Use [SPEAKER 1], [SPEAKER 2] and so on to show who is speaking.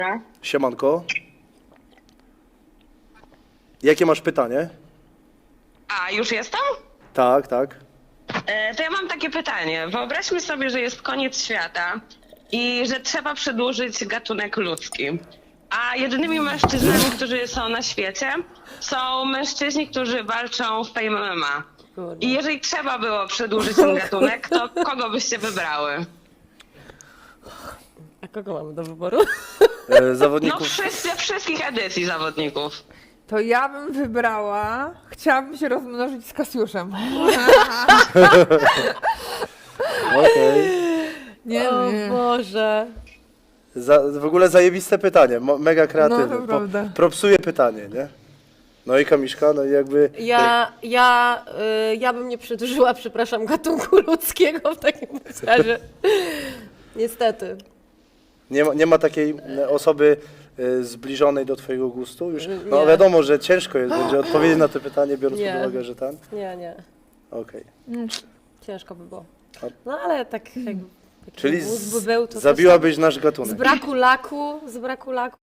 [SPEAKER 1] Siemanko. Jakie masz pytanie?
[SPEAKER 2] A, już jestem?
[SPEAKER 1] Tak, tak.
[SPEAKER 2] To ja mam takie pytanie. Wyobraźmy sobie, że jest koniec świata i że trzeba przedłużyć gatunek ludzki. A jedynymi mężczyznami, którzy są na świecie, są mężczyźni, którzy walczą w Fame MMA. I jeżeli trzeba było przedłużyć ten gatunek, to kogo byście wybrały?
[SPEAKER 3] A kogo mamy do wyboru?
[SPEAKER 2] No
[SPEAKER 1] Zawodników.
[SPEAKER 2] wszystkich edycji zawodników.
[SPEAKER 4] To ja bym wybrała. Chciałabym się rozmnożyć z Kasiuszem.
[SPEAKER 1] Okej.
[SPEAKER 4] Nie,
[SPEAKER 3] O
[SPEAKER 4] nie.
[SPEAKER 3] Boże.
[SPEAKER 1] W ogóle zajebiste pytanie, mega kreatywne.
[SPEAKER 4] No, to prawda.
[SPEAKER 1] Propsuje pytanie, nie? No i Kamiszka, no i jakby...
[SPEAKER 3] Ja bym nie przedłużyła, przepraszam, gatunku ludzkiego w takim razie. Niestety.
[SPEAKER 1] Nie ma takiej osoby zbliżonej do twojego gustu? Już, no
[SPEAKER 3] Nie.
[SPEAKER 1] wiadomo, że ciężko jest będzie odpowiedzieć na to pytanie, biorąc
[SPEAKER 3] Nie.
[SPEAKER 1] pod uwagę, że ten.
[SPEAKER 3] Nie.
[SPEAKER 1] Okej.
[SPEAKER 3] Ciężko by było.
[SPEAKER 1] A-
[SPEAKER 3] No ale tak jakby...
[SPEAKER 1] Czyli
[SPEAKER 3] taki mózg by był, to
[SPEAKER 1] zabiłabyś nasz
[SPEAKER 3] z
[SPEAKER 1] gatunek.
[SPEAKER 3] braku laku